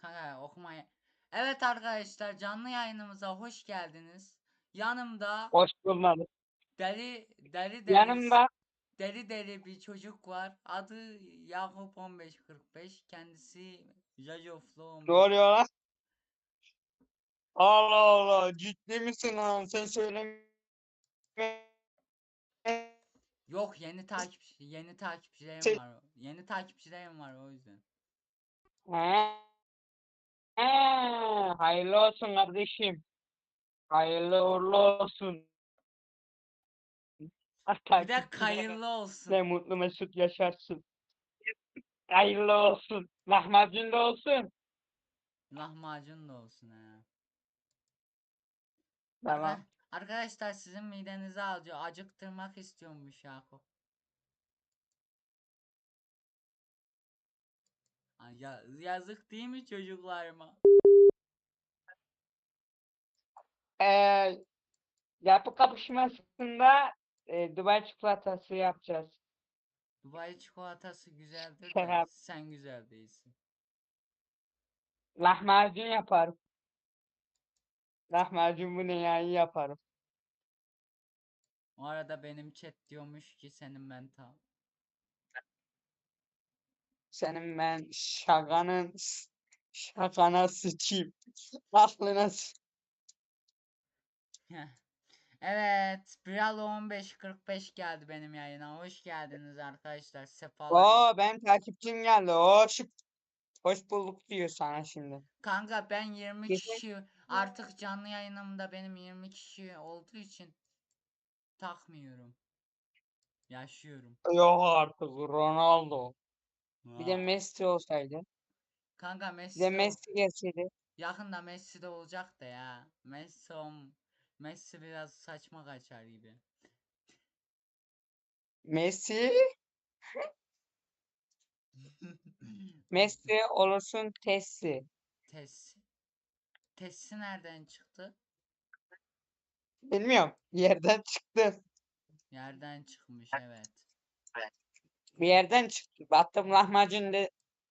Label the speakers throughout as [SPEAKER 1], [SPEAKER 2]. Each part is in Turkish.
[SPEAKER 1] Kanka okumaya. Evet arkadaşlar, canlı yayınımıza hoş geldiniz. Yanımda
[SPEAKER 2] Hoş bulmadık.
[SPEAKER 1] deli deli deli
[SPEAKER 2] Yanımda
[SPEAKER 1] deli deli bir çocuk var. Adı Yakup 1545. Kendisi Jajoflu
[SPEAKER 2] ne
[SPEAKER 1] 15.
[SPEAKER 2] oluyor lan? Allah Allah, ciddi misin lan? Sen söyleme.
[SPEAKER 1] Yok, yeni takipçilerim var. Yeni takipçilerim var o yüzden.
[SPEAKER 2] Ha, hayırlı olsun kardeşim. Hayırlı uğurlu olsun.
[SPEAKER 1] Bir de
[SPEAKER 2] Takipçilere
[SPEAKER 1] hayırlı olsun.
[SPEAKER 2] ne mutlu mesut yaşarsın. Hayırlı olsun. Lahmacun da olsun.
[SPEAKER 1] Lahmacun da olsun ha.
[SPEAKER 2] Tamam.
[SPEAKER 1] Arkadaşlar, sizin midenizi acıktırmak istiyormuş Yakup. Yazık değil mi çocuklarıma?
[SPEAKER 2] Ee, yapı kapışmasında Dubai çikolatası yapacağız.
[SPEAKER 1] Dubai çikolatası güzeldir de
[SPEAKER 2] Şaka.
[SPEAKER 1] sen güzel değilsin.
[SPEAKER 2] Lahmacun yaparım. Lahmacun bu ne ya, iyi yaparım.
[SPEAKER 1] O arada benim chat diyormuş ki senin mental.
[SPEAKER 2] Senin ben şakana sıçayım. Aklına
[SPEAKER 1] Evet, Bralo 1545 geldi benim yayına. Hoş geldiniz arkadaşlar. Sefalar.
[SPEAKER 2] Oo, ben takipçim geldi. Hoş bulduk diyor sana şimdi.
[SPEAKER 1] Kanka, ben 20
[SPEAKER 2] Kesin.
[SPEAKER 1] kişi artık canlı yayınımda benim 20 kişi olduğu için takmıyorum. Yaşıyorum.
[SPEAKER 2] Yok artık Ronaldo. Bir de
[SPEAKER 1] Vaa.
[SPEAKER 2] Messi olsaydı.
[SPEAKER 1] Kanka
[SPEAKER 2] Bir de
[SPEAKER 1] Messi o.
[SPEAKER 2] Messi gelseydi.
[SPEAKER 1] Yakında Messi de olacak da ya. Messi biraz saçma kaçar gibi.
[SPEAKER 2] Messi. Messi olursun Tessi.
[SPEAKER 1] Tessi. Tessi nereden çıktı?
[SPEAKER 2] Bilmiyorum. Yerden çıktı.
[SPEAKER 1] Yerden çıkmış, evet.
[SPEAKER 2] Bir yerden çıktı. Baktım lahmacun de.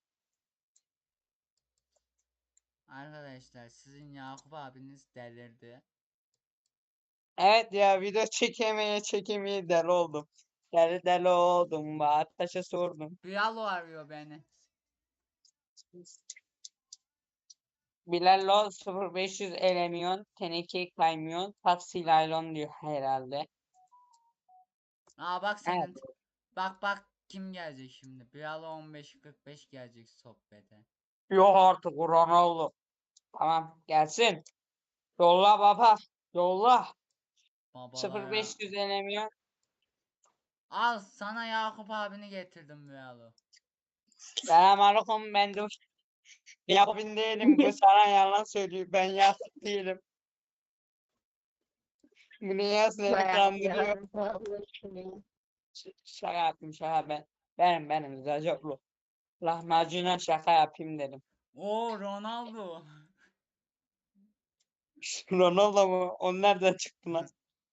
[SPEAKER 1] Arkadaşlar, sizin Yakup abiniz delirdi.
[SPEAKER 2] Evet ya, video çekemeye deli oldum. Deli oldum. Taşa sordum.
[SPEAKER 1] Bralo arıyor beni.
[SPEAKER 2] Bilallo 0500 elemiyon, teneke kaymıyor, taksi laylon diyor herhalde.
[SPEAKER 1] Aa bak
[SPEAKER 2] Evet.
[SPEAKER 1] senin. Bak kim gelecek şimdi? Bralo 1545 gelecek sohbete.
[SPEAKER 2] Yok artık Ronaldo. Tamam gelsin. Yolla baba. Yolla.
[SPEAKER 1] Babalara.
[SPEAKER 2] 0500 elemiyon.
[SPEAKER 1] Al sana Yakup abini getirdim Bralo.
[SPEAKER 2] Selamünaleyküm, ben de yapın değilim. Bu sana yalan söylüyor. Ben yapıp değilim. Bu niye seni kandırıyor? Şaka yaptım, şaka ben. Benim Zacoklu. Lahmacuna şaka yapayım dedim.
[SPEAKER 1] Oo, Ronaldo.
[SPEAKER 2] Ronaldo mu? O nereden çıktı lan?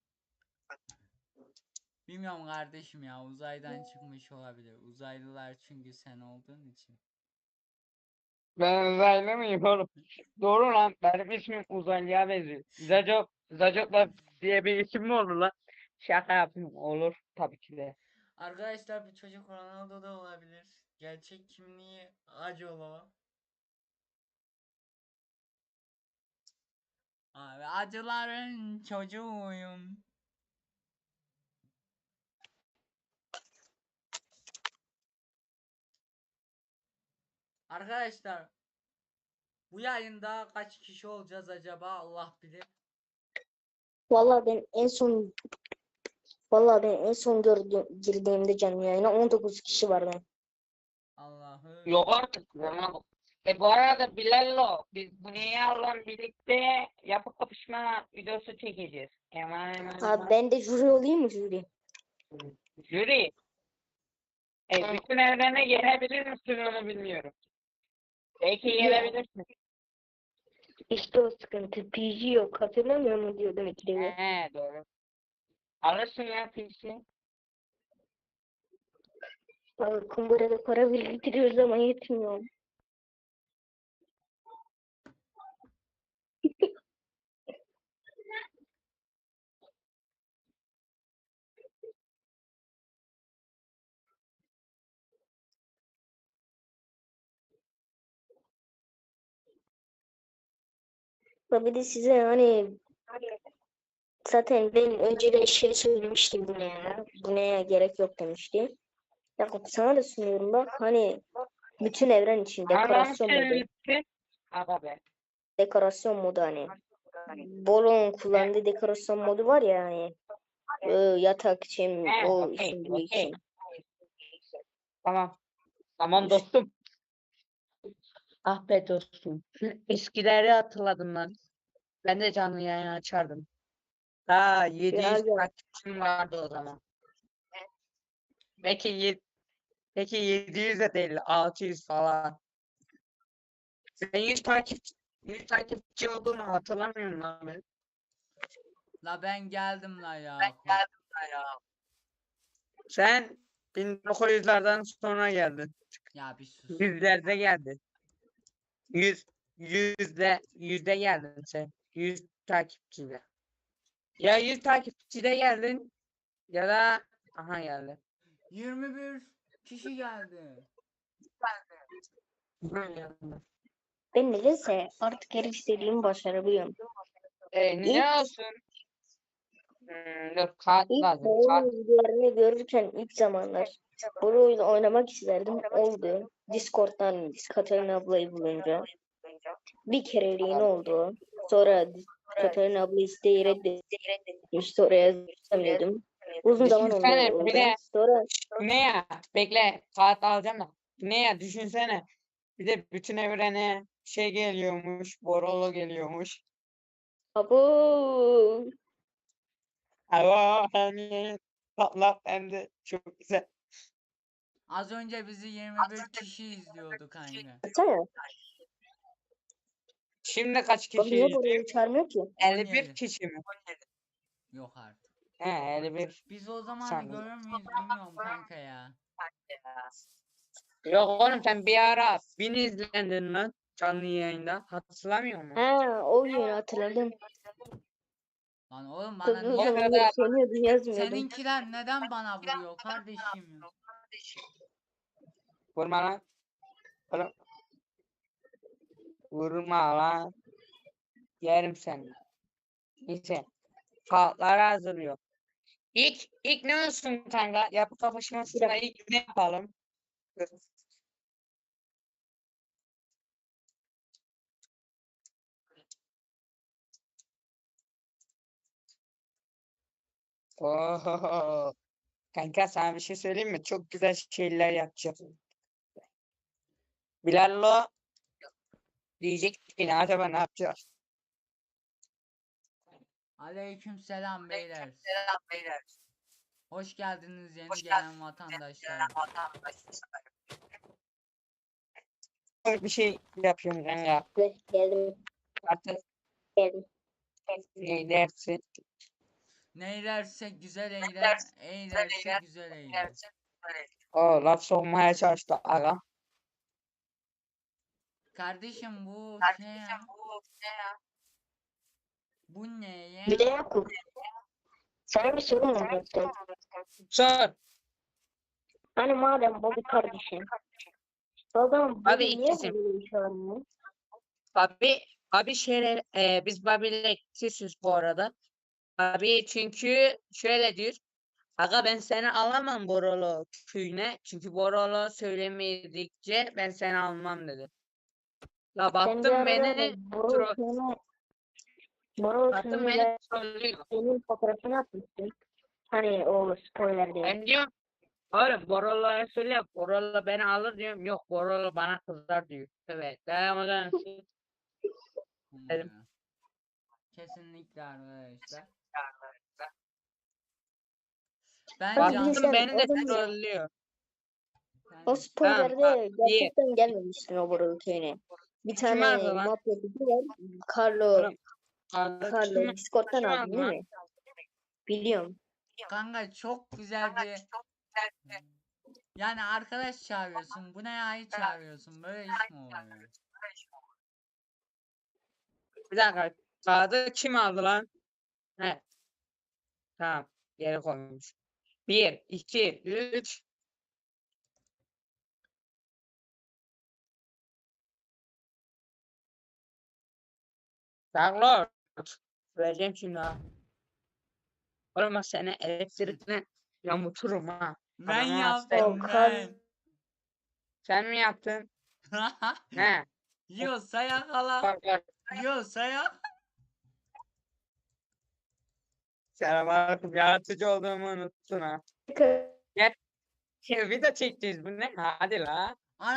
[SPEAKER 1] Bilmiyorum kardeşim ya, uzaydan çıkmış olabilir. Uzaylılar çünkü sen olduğun için.
[SPEAKER 2] Ben uzaylı mıyım oğlum? Doğru lan. Benim ismim uzaylıya benziyor. Zacokla diye bir isim mi olur lan? Şaka yapayım. Olur. Tabii ki de.
[SPEAKER 1] Arkadaşlar, bu çocuk Ronaldo da olabilir. Gerçek kimliği Acolo. Abi, acıların çocuğuyum. Arkadaşlar, bu yayında kaç kişi olacağız acaba, Allah bilir.
[SPEAKER 3] Vallahi ben en son girdiğimde canlı yayına 19 kişi vardı.
[SPEAKER 1] Allah'ım.
[SPEAKER 2] Yok artık Ronaldo. Bu arada Bilal'lo biz bu niye Allah'ın birlikte yapı kapışma videosu çekeceğiz.
[SPEAKER 3] Abi ben de jüri olayım mı jüri?
[SPEAKER 2] Jüri. Bütün evrene gelebilir misin onu bilmiyorum. Belki gelebilirsin.
[SPEAKER 3] İşte o sıkıntı. PG yok. Hatırlamıyor mu diyordum ikide.
[SPEAKER 2] Doğru. Alırsın ya PC.
[SPEAKER 3] Abi kumbarada para biriktiriyoruz ama yetmiyor. Ya bir de size hani zaten ben önceden şey söylemiştim bu ne ya? Bu neye gerek yok demişti. Ya sana da sunuyorum bak hani bütün evren için
[SPEAKER 2] Anam
[SPEAKER 3] dekorasyon modu.
[SPEAKER 2] gitti. Aga be.
[SPEAKER 3] Dekorasyon modu hani. Bolon kullandığı dekorasyon modu var ya hani. Yatak için, o
[SPEAKER 2] Okey,
[SPEAKER 3] için, bu
[SPEAKER 2] okey.
[SPEAKER 3] için.
[SPEAKER 2] Tamam. Tamam dostum. Ah be dostum. Eskileri hatırladım lan. Ben de canlı yayın açardım. Daha 700
[SPEAKER 3] Ya
[SPEAKER 2] takipçim vardı o zaman. Belki, belki 700 de değil, 600 falan. Sen 100 takipçi olduğunu hatırlamıyorum lan ben.
[SPEAKER 1] La ben geldim la ya.
[SPEAKER 2] Sen 1900'lerden sonra geldin.
[SPEAKER 1] Ya bir sus.
[SPEAKER 2] Yüzlerde geldin. Yüzde geldin sen. 100 takipçide. Ya 100 takipçide geldin ya da aha geldi.
[SPEAKER 1] 21 kişi geldi.
[SPEAKER 3] ben nedense artık her istediğimi başarabiliyorum.
[SPEAKER 2] Ne olsun? Dur kart
[SPEAKER 3] İlk
[SPEAKER 2] lazım.
[SPEAKER 3] oyun
[SPEAKER 2] Kart.
[SPEAKER 3] videolarını görürken ilk zamanlar bu oyunu oynamak isterdim. Oldu. Discord'dan Katerina ablayı bulunca. Bir kereliğine oldu. Sonra Katerina abla isteği reddetmişti. Oraya yazamıyordum. Uzun zaman
[SPEAKER 2] Düşünsene bir
[SPEAKER 3] oldu.
[SPEAKER 2] de
[SPEAKER 3] Sonra
[SPEAKER 2] ne ya? Bekle kart alacağım da. Ne ya düşünsene. Bir de bütün evrene şey geliyormuş. Borolo geliyormuş.
[SPEAKER 3] abo
[SPEAKER 2] Ama hani patlak hem de çok güzel.
[SPEAKER 1] Az önce bizi 21 kişi izliyordu kanka.
[SPEAKER 3] baksana.
[SPEAKER 2] Şimdi kaç
[SPEAKER 3] Bak
[SPEAKER 2] kişi
[SPEAKER 3] niye
[SPEAKER 2] izliyor?
[SPEAKER 3] burayı çağırmıyor ki?
[SPEAKER 2] 51
[SPEAKER 1] 17.
[SPEAKER 2] kişi mi?
[SPEAKER 1] Yok artık.
[SPEAKER 2] He 51
[SPEAKER 1] Biz o zamanı
[SPEAKER 2] sanırım.
[SPEAKER 1] görür müyüz bilmiyorum kanka ya.
[SPEAKER 2] Yok oğlum sen bir ara 1000 izlendin lan canlı yayında. Hatırlamıyor musun?
[SPEAKER 3] Ha, o günü hatırladım.
[SPEAKER 1] Lan oğlum bana
[SPEAKER 3] Tabii o
[SPEAKER 2] O
[SPEAKER 1] niye...
[SPEAKER 3] zamanlar
[SPEAKER 2] kadar
[SPEAKER 3] sevmiyordum, yazmıyordum.
[SPEAKER 1] Seninkiler neden bana vuruyor kardeşim?
[SPEAKER 2] vurma lan. Oğlum, vurma lan. Yerim seni. Neyse. Kağıtları hazırlıyor. İlk ne olsun kanka? Yapı
[SPEAKER 3] Bir
[SPEAKER 2] kapışmasında
[SPEAKER 3] dakika.
[SPEAKER 2] ilk ne yapalım? Dur. Oho. Kanka sana bir şey söyleyeyim mi? Çok güzel şeyler yapacağım. Bilal'lo diyecek ki acaba ne yapacağız?
[SPEAKER 1] Aleyküm selam beyler. Hoş geldiniz yeni gelen vatandaşlarım.
[SPEAKER 2] Bir şey yapıyorum kanka.
[SPEAKER 3] Geldim.
[SPEAKER 2] Artık
[SPEAKER 3] Geldim.
[SPEAKER 2] ne dersin?
[SPEAKER 1] Neylerse güzel eyle, eylerse güzel eyle.
[SPEAKER 2] O laf sokmaya çalıştı aga.
[SPEAKER 1] Kardeşim bu şey ya. Bu ne
[SPEAKER 3] Bir de
[SPEAKER 1] ya?
[SPEAKER 3] Yakup. Sana bir sorum olacaktı.
[SPEAKER 2] Sor.
[SPEAKER 3] Hani madem Bobby kardeşin. O zaman
[SPEAKER 2] Abi
[SPEAKER 3] Bobby niye
[SPEAKER 2] ikisim.
[SPEAKER 3] böyle bir şey almıyor?
[SPEAKER 2] Abi şeyler biz Babil'le küsüz bu arada. Abi çünkü şöyle diyor. Aga ben seni alamam Borolo köyüne. Çünkü Borolo söylemedikçe ben seni almam dedi. La
[SPEAKER 3] Sen bir
[SPEAKER 2] baktım
[SPEAKER 3] arada
[SPEAKER 2] beni
[SPEAKER 3] Boro
[SPEAKER 2] baktım
[SPEAKER 3] köyüne
[SPEAKER 2] beni
[SPEAKER 3] ben
[SPEAKER 2] trollüyor.
[SPEAKER 3] senin fotoğrafını atmıştım. Hani o spoiler diye.
[SPEAKER 2] Ben diyorum oğlum Borolo'ya söyle Borolo beni alır diyorum. Yok Borolo bana kızar diyor. Evet. Dayanamadan dedim.
[SPEAKER 1] Ya. Kesinlikle arkadaşlar. Ben
[SPEAKER 3] Hani bir de
[SPEAKER 1] can...
[SPEAKER 2] Baktım
[SPEAKER 3] sen
[SPEAKER 2] beni
[SPEAKER 3] o
[SPEAKER 2] de
[SPEAKER 3] zaman
[SPEAKER 2] trollüyor.
[SPEAKER 3] o
[SPEAKER 2] Tamam bak
[SPEAKER 3] spoilerde
[SPEAKER 2] bir
[SPEAKER 3] gerçekten gelmemiştin o Boro köyüne. Bir
[SPEAKER 2] kim aldı
[SPEAKER 3] tane
[SPEAKER 2] lan?
[SPEAKER 3] mafya tipi var. Carlo,
[SPEAKER 2] Oğlum aldı
[SPEAKER 3] Carlo Discord'dan
[SPEAKER 2] kim
[SPEAKER 3] aldın
[SPEAKER 2] aldı
[SPEAKER 3] değil
[SPEAKER 2] lan?
[SPEAKER 3] mi? Biliyorum.
[SPEAKER 1] Kanka çok güzel bir... Yani arkadaş çağırıyorsun. Bu ne ya çağırıyorsun? Böyle iş mi olur ya?
[SPEAKER 2] Bir dakika. Kağıdı kim aldı lan? He tamam. Geri koymuş. 1, 2, 3. Darlord. Vereceğim şimdi ha. Oğlum bak seni elektrikle yamuturum ha.
[SPEAKER 1] Ben
[SPEAKER 2] Adamı hasta ettim.
[SPEAKER 1] yaptım
[SPEAKER 3] Volkan.
[SPEAKER 1] ben.
[SPEAKER 2] Sen mi yaptın? Ne?
[SPEAKER 1] Yiyorsa yakala.
[SPEAKER 2] Bak bak.
[SPEAKER 1] Yiyorsa yakala.
[SPEAKER 2] Selamünaleyküm. Yaratıcı olduğumu unuttun ha. Gel. Video çekeceğiz bu ne? Hadi la.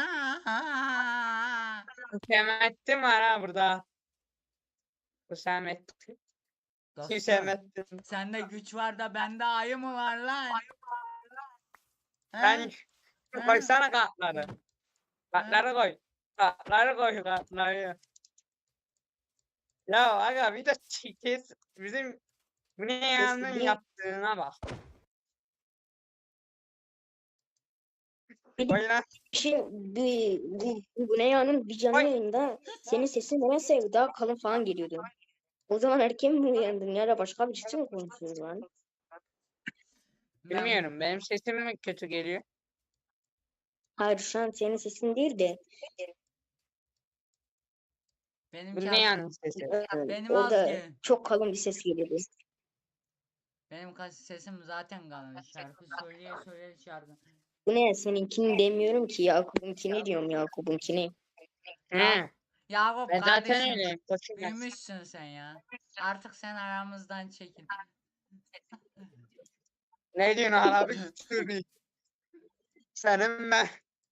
[SPEAKER 1] Ana.
[SPEAKER 2] Hüsamettin var ha burada. Hüsamettin.
[SPEAKER 1] Dostum,
[SPEAKER 2] Hüsamettin.
[SPEAKER 1] sende güç var da bende ayı mı var lan? He?
[SPEAKER 2] Ben
[SPEAKER 1] He?
[SPEAKER 2] koysana kartları. Kartları koy. Kartları koy kartları. Ya aga video çekeceğiz. Bizim bu ne yanın
[SPEAKER 3] bir-
[SPEAKER 2] yaptığına bak.
[SPEAKER 3] Bir
[SPEAKER 2] Koy lan.
[SPEAKER 3] şey bu ne yanın bir canlı
[SPEAKER 2] Oy.
[SPEAKER 3] yayında senin sesin nedense daha kalın falan geliyordu. O zaman erken mi uyandın ya da başka birisi mi konuşuyor lan?
[SPEAKER 1] Ben-
[SPEAKER 2] Bilmiyorum benim sesim mi kötü geliyor?
[SPEAKER 3] Hayır şu an senin sesin değil de
[SPEAKER 2] Bu
[SPEAKER 1] Benimki
[SPEAKER 2] ne
[SPEAKER 1] az,
[SPEAKER 2] yanın sesi?
[SPEAKER 1] benim az
[SPEAKER 3] orada
[SPEAKER 1] ki.
[SPEAKER 3] çok kalın bir ses geliyordu.
[SPEAKER 1] Benim sesim zaten kalın. Şarkı söyleye söyleye şarkı.
[SPEAKER 3] Bu ne seninkini demiyorum ki Yakup'unkini diyorum Yakup'unkini.
[SPEAKER 2] He.
[SPEAKER 1] Yakup
[SPEAKER 2] Ben zaten
[SPEAKER 1] kardeşim,
[SPEAKER 2] öyleyim. Koçum ben.
[SPEAKER 1] büyümüşsün sen ya. Artık sen aramızdan çekil.
[SPEAKER 2] Ne diyorsun abi? Senin ben.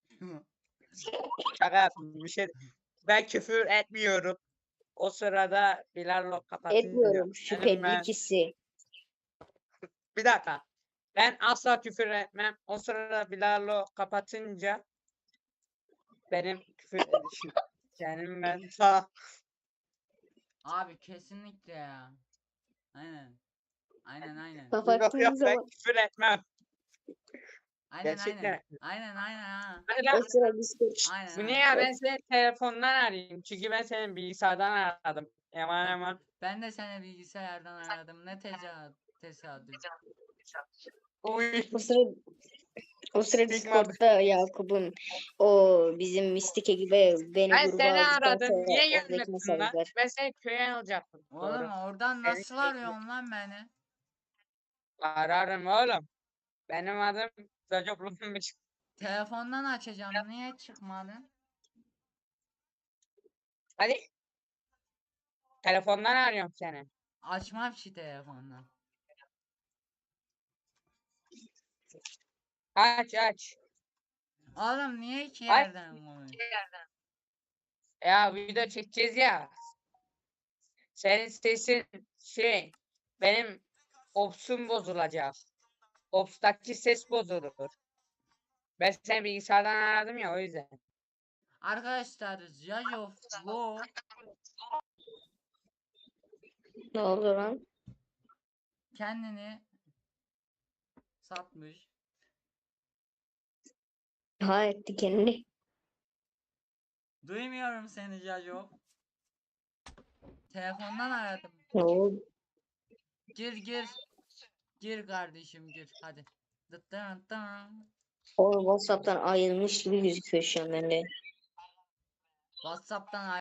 [SPEAKER 2] Şaka yaptım bir şey. Ben küfür etmiyorum. O sırada Bilal kapatınca.
[SPEAKER 3] Etmiyorum
[SPEAKER 2] Senin ben.
[SPEAKER 3] şüpheli.
[SPEAKER 2] Bir dakika. Ben asla küfür etmem. O sırada Bilal'o kapatınca benim küfür edişim. Senin ben sağ.
[SPEAKER 1] Abi kesinlikle ya. Aynen. Aynen.
[SPEAKER 2] Yok
[SPEAKER 3] Kapattığın
[SPEAKER 2] yok ben
[SPEAKER 3] zaman
[SPEAKER 2] küfür etmem.
[SPEAKER 1] Aynen.
[SPEAKER 2] Gerçekten.
[SPEAKER 1] Aynen ha.
[SPEAKER 2] Hadi
[SPEAKER 3] o
[SPEAKER 2] lan.
[SPEAKER 3] sıra Discord.
[SPEAKER 1] Aynen.
[SPEAKER 2] Bu ne ya ben seni telefondan arayayım. Çünkü ben senin bilgisayardan aradım. Yaman.
[SPEAKER 1] Ben de seni bilgisayardan aradım. Ne tesadüf.
[SPEAKER 2] Uy.
[SPEAKER 3] O sıra
[SPEAKER 2] Sigma.
[SPEAKER 3] Discord'da Yakup'un o bizim mistik ekibe beni
[SPEAKER 2] Ben
[SPEAKER 3] gruba
[SPEAKER 2] seni
[SPEAKER 3] aldıktan
[SPEAKER 2] aradım.
[SPEAKER 3] sonra
[SPEAKER 2] Niye
[SPEAKER 3] oradaki
[SPEAKER 2] gelmedin lan?
[SPEAKER 3] mesajlar.
[SPEAKER 2] Ben seni köye alacaktım.
[SPEAKER 1] Oğlum
[SPEAKER 2] Doğru.
[SPEAKER 1] oradan
[SPEAKER 2] Evet,
[SPEAKER 1] nasıl
[SPEAKER 2] evet.
[SPEAKER 1] arıyorsun lan beni?
[SPEAKER 2] Ararım oğlum. Benim adım Zacoplu'nmuş.
[SPEAKER 1] Telefondan açacağım. Niye çıkmadın?
[SPEAKER 2] Hadi. Telefondan arıyorum seni.
[SPEAKER 1] Açmam ki telefondan.
[SPEAKER 2] Aç.
[SPEAKER 1] Oğlum niye iki
[SPEAKER 2] Aç.
[SPEAKER 1] yerden konuyorsun?
[SPEAKER 2] Ya video çekeceğiz ya. Senin sesin benim Ops'um bozulacak. Ops'taki ses bozulur. Ben seni bilgisayardan aradım ya o yüzden.
[SPEAKER 1] Arkadaşlar Judge of Law
[SPEAKER 3] Ne oldu lan?
[SPEAKER 1] kendini satmış.
[SPEAKER 3] Ha etti kendini.
[SPEAKER 1] Duymuyorum seni Judge of. Telefondan aradım.
[SPEAKER 3] Ne oldu?
[SPEAKER 1] Gir. Gir kardeşim gir hadi. Dıttın.
[SPEAKER 3] O WhatsApp'tan ayrılmış gibi gözüküyor şu an bende.
[SPEAKER 1] WhatsApp'tan